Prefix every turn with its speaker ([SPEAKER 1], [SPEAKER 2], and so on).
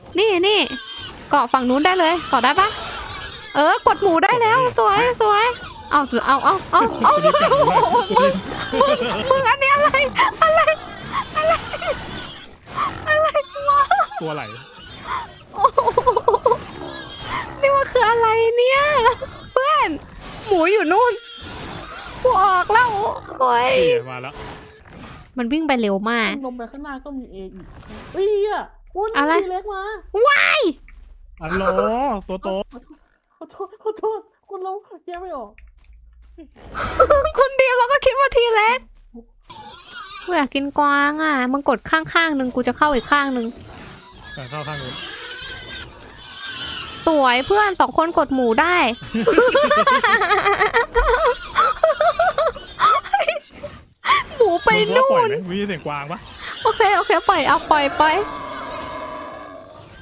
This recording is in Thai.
[SPEAKER 1] นี่เกาะฝั่งนู้นได้เลยเกาะได้ปะกดหมูได้แล้วสวยเอามึงอันนี้อะไรวะ
[SPEAKER 2] ตัวไหล
[SPEAKER 1] นี่มันคืออะไรเนี่ยเพื่อนหมูอยู่นู่นกูออกแล้วโอ้ย
[SPEAKER 2] มาแล้ว
[SPEAKER 1] มันวิ่งไปเร็วมาก
[SPEAKER 3] ลงไปข้างหน้าก็มีเออีกเฮ้ยอ่ะคุณ
[SPEAKER 1] อะไร
[SPEAKER 3] เล็กมา
[SPEAKER 1] ว้าย
[SPEAKER 2] อัลโหลตัวโต
[SPEAKER 3] ขอโทษคุณเราแยกไม่ออก
[SPEAKER 1] คุณดีมเราก็คิดว่าทีเล็กกูอยากกินกวางอ่ะมึงกดข้างหนึ่งกูจะเข้าอีกข้างหนึ่ง
[SPEAKER 2] แต่เข้าข้างนู้น
[SPEAKER 1] สวยเพื่อน2 คนกดหมูได้ หมูไปนู่น
[SPEAKER 2] มีเสียงกวางปะ
[SPEAKER 1] โอเคปล่อยเอาปล่อย